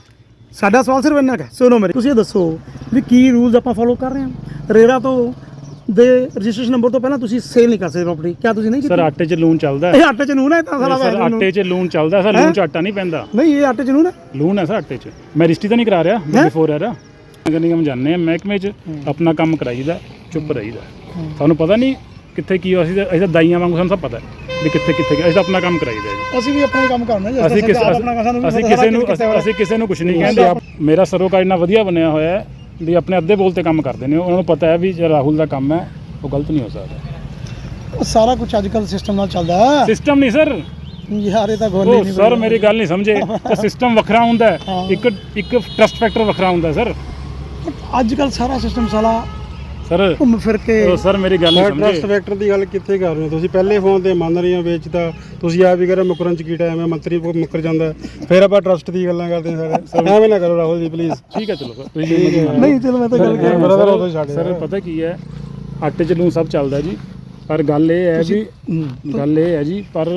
ਸਾਡਾ ਸਵਾਲ ਸਿਰਫ ਇੰਨਾ ਕੁ ਹੈ। ਸੁਣੋ ਮੇਰੇ, ਤੁਸੀਂ ਇਹ ਦੱਸੋ ਵੀ ਕੀ ਰੂਲਸ ਆਪਾਂ ਫੋਲੋ ਕਰ ਰਹੇ ਹਾਂ। ਰੇਰਾ ਤੋਂ ਦੇ ਰਜਿਸਟ੍ਰੇਸ਼ਨ ਨੰਬਰ ਤੋਂ ਪਹਿਲਾਂ ਤੁਸੀਂ ਸੇਲ ਨਹੀਂ ਕਰ ਸਕਦੇ ਪ੍ਰਾਪਰਟੀ, ਕਿਆ ਤੁਸੀਂ ਨਹੀਂ ਕੀਤੀ? ਸਰ ਆਟੇ 'ਚ ਲੂਣ ਚੱਲਦਾ ਇਹ ਆਟੇ ਚ ਨੂਨ ਹੈ ਤਾਂ ਸਾਰਾ ਸਰ ਆਟੇ 'ਚ ਲੂਣ ਚੱਲਦਾ ਸਰ, ਲੂਣ 'ਚ ਆਟਾ ਨਹੀਂ ਪੈਂਦਾ। ਨਹੀਂ ਇਹ ਆਟੇ ਚ ਨੂਨ ਹੈ। ਲੂਣ ਹੈ ਸਰ ਆਟੇ 'ਚ। ਮੈਂ ਰਿਸ਼ਤੀ ਤਾਂ ਨਹੀਂ ਕਰਾ ਰਿਹਾ ਬਿਫੋਰ ਐਰਾ। ਨਗਰ ਨਿਗਮ ਜਾਂਦੇ ਆ ਮਹਿਕਮੇ 'ਚ, ਆਪਣਾ ਕੰਮ ਕਰਾਈਦਾ, ਚੁੱਪ ਰਹੀਦਾ। ਤੁਹਾਨੂੰ ਪਤਾ ਨਹੀਂ ਕਿੱਥੇ ਕੀ ਹੋ, ਅਸੀਂ ਤਾਂ ਅਸੀਂ ਤਾਂ ਦਾਈਆਂ ਵਾਂਗੂ ਸਾਨੂੰ ਸਭ ਪਤਾ ਵੀ ਕਿੱਥੇ ਕਿੱਥੇ ਅਸੀਂ ਤਾਂ ਆਪਣਾ ਕੰਮ ਕਰਾਈਦਾ ਜੀ। ਅਸੀਂ ਵੀ ਆਪਣਾ ਹੀ ਕੰਮ ਕਰਨਾ ਜੀ। ਅਸੀਂ ਕਿਸੇ ਅਸੀਂ ਕਿਸੇ ਨੂੰ ਅਸੀਂ ਕਿਸੇ ਨੂੰ ਕੁਝ ਨਹੀਂ ਕਹਿੰਦੇ। ਮੇਰਾ ਸਰੋਕਾਰ ਇੰਨਾ ਵਧੀਆ ਬਣਿਆ ਹੋਇਆ ਹੈ ਵੀ ਆਪਣੇ ਅੱਧੇ ਬੋਲ ਤੇ ਕੰਮ ਕਰਦੇ ਨੇ। ਉਹਨਾਂ ਨੂੰ ਪਤਾ ਹੈ ਵੀ ਜਿਹੜਾ ਰਾਹੁਲ ਦਾ ਕੰਮ ਹੈ ਉਹ ਗਲਤ ਨਹੀਂ ਹੋ ਸਕਦਾ। ਉਹ ਸਾਰਾ ਕੁਝ ਅੱਜ ਕੱਲ੍ਹ ਸਿਸਟਮ ਨਾਲ ਚੱਲਦਾ ਹੈ। ਸਿਸਟਮ ਨਹੀਂ ਸਰ, ਯਾਰ ਇਹ ਤਾਂ ਗੋਲੀ ਉਹ ਨਹੀਂ ਸਰ ਮੇਰੀ ਗੱਲ ਨਹੀਂ ਸਮਝੇ। ਤਾਂ ਸਿਸਟਮ ਵੱਖਰਾ ਹੁੰਦਾ ਹੈ, ਇੱਕ ਇੱਕ ਟਰਸਟ ਫੈਕਟਰ ਵੱਖਰਾ ਹੁੰਦਾ ਸਰ। ਅੱਜ ਕੱਲ੍ਹ ਸਾਰਾ ਸਿਸਟਮ ਸਾਲਾ ਸਰ ਘੁੰਮ ਫਿਰ ਕੇ ਉਹ ਸਰ ਮੇਰੀ ਗੱਲ ਨਹੀਂ ਟਰਸਟ ਸਮਝੇ। ਫੈਕਟਰ ਦੀ ਗੱਲ ਕਿੱਥੇ ਕਰ ਰਹੇ ਹੋ ਤੁਸੀਂ? ਪਹਿਲੇ ਫੋਨ ਤੇ ਮੰਨ ਰਹੇ ਹੋ ਵੇਚਦਾ, ਤੁਸੀਂ ਆਪ ਵੀ ਕਰ ਮੁਕਰਨ ਚ ਕੀ ਟਾਈਮ ਹੈ, ਮੰਤਰੀ ਮੁੱਕਰ ਜਾਂਦਾ, ਫਿਰ ਆਪਾਂ ਟਰਸਟ ਦੀ ਗੱਲਾਂ ਕਰਦੇ ਹਾਂ ਸਾਰੇ। ਐਵੇਂ ਨਾ ਕਰੋ ਰਾਹੁਲ ਜੀ ਪਲੀਜ਼। ਠੀਕ ਹੈ ਚਲੋ ਸਰ, ਤੁਸੀਂ ਮੇਰੀ ਮੰਨ ਲਓ। ਨਹੀਂ ਚਲੋ ਮੈਂ ਤਾਂ ਗੱਲ ਕਰ ਬ੍ਰਦਰ ਉਹ ਤੋਂ ਛੱਡ ਸਰ ਪਤਾ ਕੀ ਹੈ, ਆਟੇ 'ਚ ਲੂਣ ਸਭ ਚੱਲਦਾ ਜੀ। ਪਰ ਗੱਲ ਇਹ ਹੈ ਵੀ ਗੱਲ ਇਹ ਹੈ ਜੀ, ਪਰ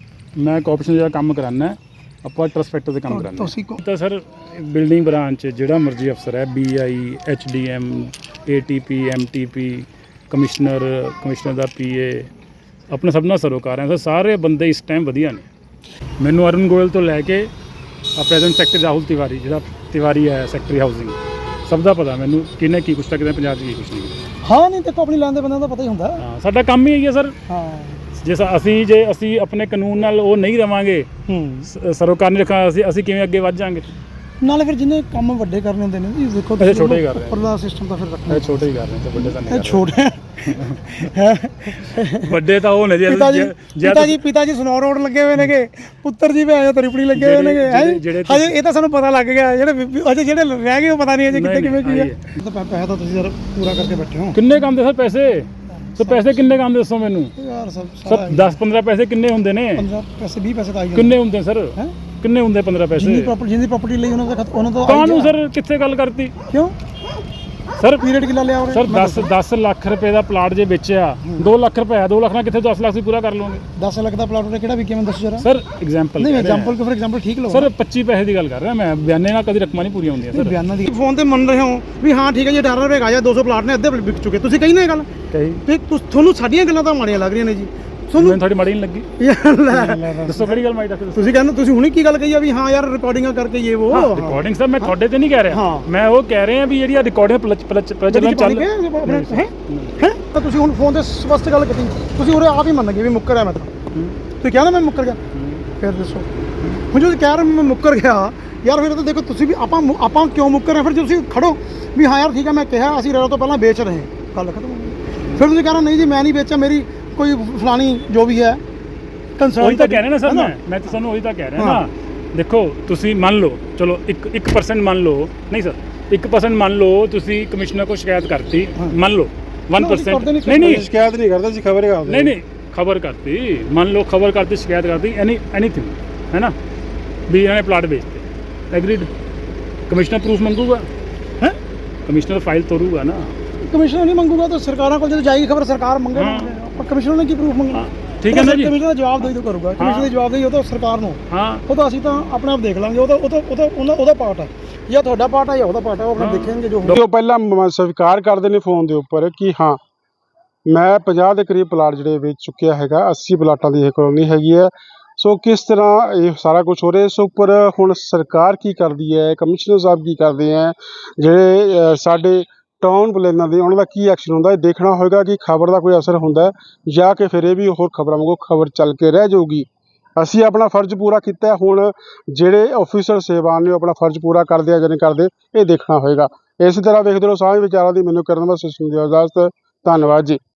ਮੈਂ ਕੋਆਪਰੇਸ਼ਨ ਜਿਹੜਾ ਕੰਮ ਕਰਾਨਾ ਆਪਾਂ ਟਰਸਟ ਫੈਕਟਰ ਤੇ ਕੰਮ ਕਰਾਨਾ ਤੁਸੀਂ ਕੋ ਤਾਂ ਸਰ ਬਿਲਡਿੰਗ ਬ੍ਰਾਂਚ ਜਿਹੜਾ ਮਰਜ਼ੀ ਅਫਸਰ ਹੈ, B I, H D M, A T P, M T P, commissioner, commissioner ਦਾ ਪੀ ਏ, ਆਪਣੇ ਸਭ ਨਾਲ ਸਰੋਕਾਰ ਹੈ ਸਰ। ਸਾਰੇ ਬੰਦੇ ਇਸ ਟਾਈਮ ਵਧੀਆ ਨੇ। ਮੈਨੂੰ ਅਰੁਣ ਗੋਇਲ ਤੋਂ ਲੈ ਕੇ ਆ ਪ੍ਰੈਜ਼ੈਂਟ ਸੈਕਟਰੀ ਰਾਹੁਲ ਤਿਵਾਰੀ, ਜਿਹੜਾ ਤਿਵਾਰੀ ਹੈ ਸੈਕਟਰੀ ਹਾਊਸਿੰਗ, ਸਭ ਦਾ ਪਤਾ ਮੈਨੂੰ ਕਿਹਨੇ ਕੀ ਕੁਛ ਤਾਂ ਕਿਤੇ ਪੰਜਾਬ 'ਚ ਕੀ ਕੁਛ ਨਹੀਂ। ਹਾਂ ਨਹੀਂ ਦੇਖੋ ਆਪਣੀ ਲੈਣ ਦੇ ਬੰਦਿਆਂ ਦਾ ਪਤਾ ਹੀ ਹੁੰਦਾ। ਹਾਂ ਸਾਡਾ ਕੰਮ ਹੀ ਇਹੀ ਹੈ ਸਰ। ਹਾਂ ਜੇ ਸ- ਅਸੀਂ ਜੇ ਅਸੀਂ ਆਪਣੇ ਕਾਨੂੰਨ ਨਾਲ ਉਹ ਨਹੀਂ ਰਵਾਂਗੇ, ਹੂੰ ਸ- ਸਰੋਕਾਰ ਨਹੀਂ ਰੱਖਾਂ, ਅਸੀਂ ਅਸੀਂ ਕਿਵੇਂ ਅੱਗੇ ਵੱਧ ਜਾਾਂਗੇ? ਨਾਲੇ ਫਿਰ ਜਿਹਨੇ ਕੰਮ ਵੱਡੇ ਕਰਨੇ ਹੁੰਦੇ ਨੇ ਜੀ ਦੇਖੋ ਅੱਛਾ, ਛੋਟੇ ਹੀ ਕਰ ਰਹੇ ਆ। ਉੱਪਰਲਾ ਸਿਸਟਮ ਤਾਂ ਫਿਰ ਰੱਖਣਾ ਇਹ ਛੋਟੇ ਹੀ ਕਰ ਰਹੇ ਤੇ ਵੱਡੇ ਤਾਂ ਨਹੀਂ ਇਹ ਕਰ ਛੋਟੇ ਰਹੇ। ਵੱਡੇ ਤਾਂ ਉਹ ਨੇ ਜੀ। ਪਿਤਾ ਜੀ ਜੇ- ਜੇ ਪਿਤਾ ਜੀ ਪਿਤਾ ਜੀ ਸਨੌਰ ਰੋਡ ਲੱਗੇ ਹੋਏ ਨੇਗੇ, ਪੁੱਤਰ ਜੀ ਭੈਣ ਤ੍ਰਿਪੜੀ ਲੱਗੇ ਹੋਏ ਜਿਹੜੇ- ਨੇਗੇ ਹੈਂ? ਜਿਹੜੇ- ਜਿਹੜੇ ਹਜੇ ਇਹ ਤਾਂ ਸਾਨੂੰ ਪਤਾ ਲੱਗ ਗਿਆ, ਜਿਹੜੇ ਬੀਬੀ- ਅਜੇ ਜਿਹੜੇ ਰਹਿ ਗਏ ਉਹ ਪਤਾ ਨਹੀਂ ਅਜੇ ਕਿੱਥੇ ਨਹੀਂ, ਕਿਵੇਂ ਕੀ ਹੈ। ਆਹੀ ਹੈ। ਤਾਂ ਪੈ- ਪੈਸਾ ਤਾਂ ਤੁਸੀਂ ਯਾਰ ਪੂਰਾ ਕਰਕੇ ਬੈਠੇ ਹੋ ਕਿੰਨੇ ਕੰਮ ਦੇ ਸਰ ਪੈਸੇ? ਸੋ ਪੈਸੇ ਕਿੰਨੇ ਕੰਮ ਦੇ ਦੱਸੋ ਮੈਨੂੰ ਯਾਰ। ਸਭ ਸਰ। ਦਸ ਪੰਦਰਾਂ ਪੈਸੇ ਕਿੰਨੇ ਹੁੰਦੇ ਨੇ? ਪੰਦਰਾਂ ਪੈਸੇ ਵੀਹ ਪੈਸੇ ਤਾਂ ਆਈ ਜਾਂਦੇ ਕਿੰਨੇ ਹੁੰਦੇ ਸਰ? ਹੈਂ? ਕਿੰਨੇ ਹੁੰਦੇ ਪੰਦਰਾਂ ਜਿੰਨੀ ਪੈਸੇ? ਪ੍ਰਾਪਰਟੀ ਜਿੰਨੀ ਪ੍ਰਾਪਰਟੀ ਲਈ ਉਹਨਾਂ ਦਾ ਖਤ- ਉਹਨਾਂ ਤੋਂ ਕਾਹਨੂੰ ਸਰ ਕਿੱਥੇ ਗੱਲ ਕਰਤੀ ਕਿਉਂ ਸਰ? ਪੀਰੀਅਡ ਕਿੰਨਾ ਲਿਆ ਉਹਨੇ? ਸਰ ਦਸ ਦਸ ਲੱਖ ਰੁਪਏ ਦਾ ਪਲਾਟ ਜੇ ਵੇਚਿਆ, ਦੋ ਲੱਖ ਰੁਪਏ ਦੋ ਲੱਖ ਨਾਲ ਕਿੱਥੇ ਦਸ ਲੱਖ ਸੀ ਪੂਰਾ ਕਰ ਲਓਗੇ ਦਸ ਲੱਖ ਦਾ ਪਲਾਟ ਉਹਨੇ ਕਿਹੜਾ ਵਿਕਿਆ ਮੈਨੂੰ ਦੱਸੋ ਜਰਾ। ਸਰ? ਐਗਜ਼ਾਮਪਲ ਨਹੀਂ ਐਗਜ਼ਾਮਪਲ ਕੋ ਫਿਰ ਐਗਜ਼ਾਮਪਲ ਠੀਕ ਲਓ ਸਰ ਪੱਚੀ ਪੈਸੇ ਦੀ ਗੱਲ ਕਰ ਰਿਹਾ ਮੈਂ, ਬਿਆਨੇ ਨਾਲ ਕਦੀ ਰਕਮਾਂ ਨਹੀਂ ਪੂਰੀਆਂ ਹੁੰਦੀਆਂ ਸਰ। ਬਿਆਨਾਂ ਦੀ ਫੋਨ ਤੇ ਮੰਨ ਰਹੇ ਹੋ ਵੀ ਹਾਂ ਠੀਕ ਹੈ ਜੀ ਅਠਾਰਾਂ ਰੁਪਏ ਆਇਆ, ਦੋ ਸੌ ਪਲਾਟ ਨੇ ਅੱਧੇ ਵਿਕ ਚੁੱਕੇ, ਤੁਸੀਂ ਕਹੀ ਨਾ ਇਹ ਗੱਲ ਕਹੀ ਵੀ ਤੁਸ- ਤੁਹਾਨੂੰ ਸਾਡੀਆਂ ਗੱਲਾਂ ਤਾਂ ਮਾੜੀਆਂ ਲੱਗ ਰਹੀਆਂ ਨੇ ਜੀ ਤੁਹਾਨੂੰ। ਮੈਨੂੰ ਤੁਹਾਡੀ ਮਾੜੀ ਨਹੀਂ ਲੱਗੀ। ਯਾਰ ਲੈ, ਦੱਸੋ ਕਿਹੜੀ ਗੱਲ ਮਾੜੀ ਦੱਸੋ? ਤੁਸੀਂ ਕਹਿੰਦੇ ਤੁਸੀਂ ਹੁਣੇ ਕੀ ਗੱਲ ਕਹੀ ਆ ਵੀ ਹਾਂ ਯਾਰ ਰਿਕਾਰਡਿੰਗਾਂ ਕਰਕੇ ਇਹ ਉਹ ਰਿਕਾਰਡਿੰਗ ਸਰ ਮੈਂ ਤੁਹਾਡੇ ਤੇ ਨਹੀਂ ਕਹਿ ਰਿਹਾ, ਹਾਂ। ਮੈਂ ਉਹ ਕਹਿ ਰਿਹਾ ਵੀ ਜਿਹੜੀ ਆ ਰਿਕਾਰਡਿੰਗ ਪ੍ਰਚਲਨ ਚੱਲ ਹੈ ਹੈ ਤਾਂ ਤੁਸੀਂ ਹੁਣ ਫੋਨ ਤੇ ਸਪਸ਼ਟ ਗੱਲ ਕੀਤੀ, ਤੁਸੀਂ ਉਰੇ ਆਪ ਹੀ ਮੰਨ ਗਏ ਵੀ ਮੁੱਕਰ ਆ ਮੈਂ ਤਾਂ। ਤੁਸੀਂ ਕਿਹਾ ਨਾ ਮੈਂ ਮੁੱਕਰ ਗਿਆ, ਫਿਰ ਦੱਸੋ ਹੁਣ ਜਦੋਂ ਕਹਿ ਰਹੇ ਮੈਂ ਮੁੱਕਰ ਗਿਆ ਯਾਰ, ਫਿਰ ਤਾਂ ਦੇਖੋ ਤੁਸੀਂ ਵੀ ਆਪਾਂ ਮੁ- ਆਪਾਂ ਕਿਉਂ ਮੁੱਕਰ ਰਹੇ? ਫਿਰ ਜੇ ਤੁਸੀਂ ਖੜੋ ਵੀ ਹਾਂ ਯਾਰ ਠੀਕ ਹੈ ਮੈਂ ਕਿਹਾ ਅਸੀਂ ਰੇਰਾ ਤੋਂ ਪਹਿਲਾਂ ਵੇਚ ਰਹੇ ਹਾਂ, ਗੱਲ ਖਤਮ ਹੋ ਗਈ। ਫਿਰ ਤੁਸੀਂ ਕਹਿ ਰਹੇ ਨਹੀਂ ਜੀ ਮੈਂ ਨਹੀਂ ਵੇਚਿਆ, ਮੇਰੀ ਕੋਈ ਫਲਾਣੀ ਜੋ ਵੀ ਹੈ ਕੰਸਰਨ। ਉਹੀ ਤਾਂ ਕਹਿ ਰਿਹਾ ਨਾ ਸਰ, ਮੈਂ ਮੈਂ ਤਾਂ ਤੁਹਾਨੂੰ ਉਹੀ ਤਾਂ ਕਹਿ ਰਿਹਾ ਨਾ। ਦੇਖੋ ਤੁਸੀਂ ਮੰਨ ਲਓ, ਚਲੋ ਇੱਕ ਇੱਕ ਪਰਸੈਂਟ ਮੰਨ ਲਓ, ਨਹੀਂ ਸਰ ਇੱਕ ਪਰਸੈਂਟ ਮੰਨ ਲਓ ਤੁਸੀਂ ਕਮਿਸ਼ਨਰ ਕੋਲ ਸ਼ਿਕਾਇਤ ਕਰਤੀ, ਮੰਨ ਲਓ ਇੱਕ ਪਰਸੈਂਟ ਨਹੀਂ ਨਹੀਂ ਸ਼ਿਕਾਇਤ ਨਹੀਂ ਕਰਦਾ ਸੀ, ਖਬਰ ਕਰਦੇ ਨਹੀਂ ਨਹੀਂ ਖਬਰ ਕਰਤੀ, ਮੰਨ ਲਓ ਖਬਰ ਕਰਤੀ, ਸ਼ਿਕਾਇਤ ਕਰਤੀ, ਐਨੀ ਐਨੀਥਿੰਗ ਹੈ ਨਾ, ਵੀ ਇਹਨਾਂ ਨੇ ਪਲਾਟ ਵੇਚਤੇ, ਐਗਰੀਡ, ਕਮਿਸ਼ਨਰ ਪ੍ਰੂਫ ਮੰਗੂਗਾ ਹੈ, ਕਮਿਸ਼ਨਰ ਫਾਈਲ ਤੋਰੂਗਾ ਨਾ। ਕਮਿਸ਼ਨਰ ਨਹੀਂ ਮੰਗੂਗਾ ਤਾਂ ਸਰਕਾਰਾਂ ਕੋਲ ਜਦੋਂ ਜਾਏਗੀ ਖਬਰ ਸਰਕਾਰ ਮੰਗੇ, ਪਰ ਕਮਿਸ਼ਨਰ ਨੇ ਕੀ ਪ੍ਰੂਫ ਮੰਗਣਾ? ਠੀਕ ਹੈ ਨਾ ਜੀ। ਕਮਿਸ਼ਨਰ ਦਾ ਜਵਾਬ ਦੇ ਦੋ ਕਰੂਗਾ, ਕਮਿਸ਼ਨਰ ਦਾ ਜਵਾਬ ਦੇ ਉਹ ਤਾਂ ਸਰਕਾਰ ਨੂੰ, ਹਾਂ ਉਹ ਤਾਂ ਅਸੀਂ ਤਾਂ ਆਪਣੇ ਆਪ ਦੇਖ ਲਾਂਗੇ, ਉਹ ਤਾਂ ਉਹ ਤਾਂ ਉਹ ਤਾਂ ਉਹਨਾਂ- ਉਹਦਾ ਪਾਰਟ ਹੈ, ਜਾਂ ਤੁਹਾਡਾ ਪਾਰਟ ਹੈ ਜਾਂ ਉਹਦਾ ਪਾਰਟ ਹੈ, ਉਹ ਆਪਣਾ ਦੇਖਣਗੇ ਜੋ ਉਹ ਪਹਿਲਾਂ ਮ- ਸਵੀਕਾਰ ਕਰਦੇ ਨੇ ਫੋਨ ਦੇ ਉੱਪਰ ਕਿ ਹਾਂ ਮੈਂ ਪੰਜਾਹ ਦੇ ਕਰੀਬ ਪਲਾਟ ਜਿਹੜੇ ਵੇਚ ਚੁੱਕਿਆ ਹੈਗਾ, ਅੱਸੀ ਪਲਾਟਾਂ ਦੀ ਇਹ ਕਲੋਨੀ ਹੈਗੀ ਹੈ। ਸੋ ਕਿਸ ਤਰ੍ਹਾਂ ਇਹ ਸਾਰਾ ਕੁਝ ਹੋ ਰਿਹਾ, ਇਸ ਉੱਪਰ ਹੁਣ ਸਰਕਾਰ ਕੀ ਕਰਦੀ ਹੈ, ਕਮਿਸ਼ਨਰ ਸਾਹਿਬ ਕੀ ਕਰਦੇ ਹੈ, ਜਿਹੜੇ ਅ, ਸਾਡੇ ਟਾਊਨ ਪਲੈਨਰ ਦੇ ਉਹਨਾਂ ਦਾ ਕੀ ਐਕਸ਼ਨ ਹੁੰਦਾ, ਇਹ ਦੇਖਣਾ ਹੋਏਗਾ ਕਿ ਖਬਰ ਦਾ ਕੋਈ ਅਸਰ ਹੁੰਦਾ ਹੈ ਜਾਂ ਕਿ ਫਿਰ ਇਹ ਵੀ ਹੋਰ ਖਬਰਾਂ ਵਾਂਗੂ ਖਬਰ ਚੱਲ ਕੇ ਰਹਿ ਜਾਊਗੀ। ਅਸੀਂ ਆਪਣਾ ਫਰਜ਼ ਪੂਰਾ ਕੀਤਾ, ਹੁਣ ਜਿਹੜੇ ਆਫੀਸਰ ਸੇਵਾਨ ਨੇ ਉਹ ਆਪਣਾ ਫਰਜ਼ ਪੂਰਾ ਕਰਦੇ ਆ ਜਾਂ ਨਹੀਂ ਕਰਦੇ, ਇਹ ਦੇਖਣਾ ਹੋਏਗਾ। ਇਸੇ ਤਰ੍ਹਾਂ ਵੇਖਦੇ ਰਹੋ ਸਾਂਝ ਵਿਚਾਰਾਂ ਦੀ। ਮੈਨੂੰ ਕਰਨ ਵਾਸਤੇ ਸੁਣ ਦਿਓ ਇਜਾਜ਼ਤ, ਧੰਨਵਾਦ ਜੀ।